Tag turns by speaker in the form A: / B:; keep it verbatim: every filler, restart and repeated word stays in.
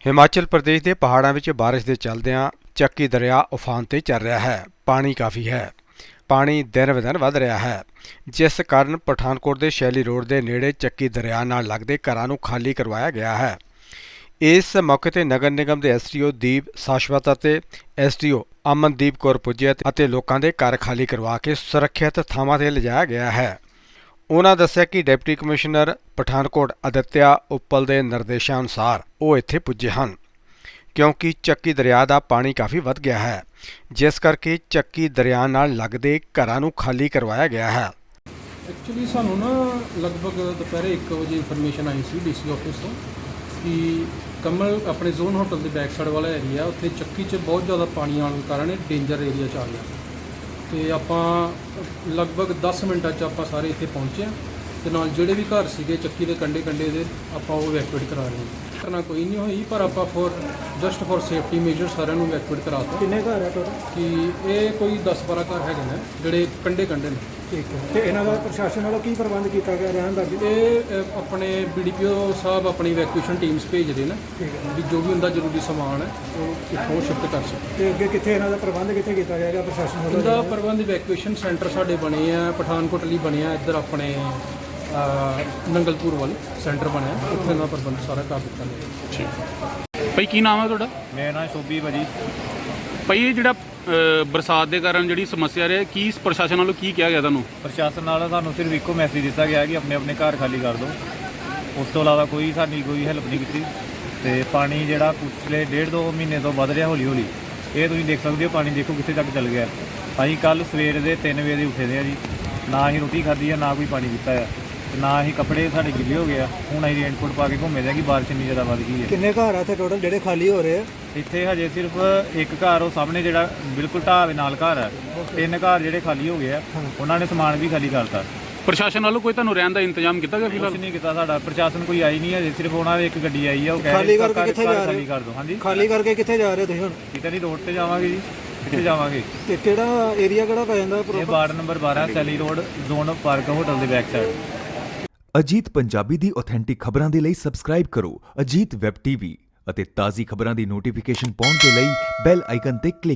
A: हिमाचल प्रदेश के पहाड़ों में बारिश के चलदियां ਚੱਕੀ दरिया उफान ते चल रहा है। पानी काफ़ी है। पानी दिन ब दिन वध रहा है, जिस कारण पठानकोट के शैली रोड के नेड़े ਚੱਕੀ दरिया नाल लगदे घरां नूं खाली करवाया गया है। इस मौके ते नगर निगम के एस डी ओ दीप शाश्वत ਅਤੇ S D O Amandeep Kaur पुजे ਅਤੇ लोगों के घर खाली करवा के सुरक्षित ਥਾਵਾਂ ਤੇ लिजाया गया है। उन्होंने दस्सिया कि डिप्टी कमिश्नर पठानकोट आदित्य उप्पल के निर्देशों अनुसार वो इत्थे पुजे हैं, क्योंकि ਚੱਕੀ दरिया का पानी काफ़ी वध गया है, जिस करके ਚੱਕੀ दरिया नाल लगदे घरां नूं खाली करवाया गया है।
B: एक्चुअली सानू ना लगभग दोपहर एक बजे information I C D C office तो कि कमल अपने जोन होटल के बैक साइड वाला एरिया उत्थे ਚੱਕੀ च बहुत ज़्यादा पानी आने के कारण डेंजर एरिया च आ गया। तो आप लगभग दस मिनटा च आप सारे इतने पहुँचे तो नाल जोड़े भी घर सीगे ਚੱਕੀ के कंढे कंढे दे आप इवैक्यूएट करा रहे हैं। करना कोई नहीं हुई पर आप for just for safety measure सारे इवैक्यूएट करा दो।
C: किन्ने घर है टोटल?
B: कि ये कोई दस बारह घर है ने जोड़े कंढे कंढे ने।
C: ठीक है। तो इन्हों का प्रशासन वालों की प्रबंध किया गया रहने का?
B: ये अपने बी डी पी ओ साहब अपनी इवैक्यूएशन टीम्स भेजते हैं भी जो भी उनका जरूरी समान है वो इतों शिफ्ट कर सकें।
C: तो अगे कितने इन्हों का प्रबंध कितने किया जाएगा प्रशासन वालों?
B: इनका प्रबंध इवैक्यूएशन सेंटर साढ़े बने हैं पठानकोट लिए बने इधर अपने नंगलपुर वाल सेंटर बनया उत्थे इन्होंने प्रबंध सारा कर दिता है।
D: भाई की नाम है तुहाडा?
E: मेरा नाम शोभी भाजी।
D: भाई ये जिहड़ा बरसात के कारण जिहड़ी समस्या रही की प्रशासन वालों की कहा गया तुहानूं?
E: प्रशासन वालों सानूं सिर्फ इको मैसेज दिता गया कि अपने अपने घर खाली कर दो, उस तो इलावा कोई साडी कोई हेल्प नहीं की। तो पानी जिहड़ा पिछले डेढ़ दो महीने तो वध रहा हौली हौली, ये तुसीं देख सकते हो पानी देखो कित्थे तक चल गया। असीं कल सवेर दे तीन बजे दे उठे दे जी, ना ही रोटी खाधी है ना कोई पानी पीता है, ना ही कपड़े साढ़े गिले हो गया। हुण असीं रेनकोट पा के घूमे दे कि बारिश इन्नी ज़्यादा वध गई है।
C: किन्ने घर है इत्थे टोटल जिहड़े खाली हो रहे हैं?
E: इत्थे हजे सिर्फ एक घर वो सामने जिहड़ा बिल्कुल ढाह दे नाल घर है, तीन घर जिहड़े खाली हो गए हैं उन्होंने समान भी खाली करता।
D: प्रशासन वालों कोई तुहानूं रहन दा इंतजाम किया गया? फिलहाल
E: कुछ नहीं किया साडा प्रशासन कोई आई नहीं है, सिर्फ उन्होंने एक गड्डी आई है वो कह
C: खाली
E: रहे
C: करके कित्थे जा रहे
E: खाली कर दो। हाँ जी,
C: खाली करके कित्थे जा रहे हो तुसीं हुण?
E: किते नहीं रोड ते जावांगे जी, कित्थे जावांगे?
C: ते किहड़ा एरिया किहड़ा पै जांदा?
E: ये वार्ड नंबर बारह Saili road zone park hotel ਦੇ बैक साइड।
F: ਅਜੀਤ ਪੰਜਾਬੀ ਦੀ ਆਥੈਂਟਿਕ ਖਬਰਾਂ ਦੇ ਲਈ ਸਬਸਕ੍ਰਾਈਬ ਕਰੋ ਅਜੀਤ ਵੈਬ ਟੀਵੀ ਅਤੇ ਤਾਜ਼ੀ ਖਬਰਾਂ ਦੀ ਨੋਟੀਫਿਕੇਸ਼ਨ ਪਾਉਣ ਦੇ ਲਈ ਬੈਲ ਆਈਕਨ ਤੇ ਕਲਿੱਕ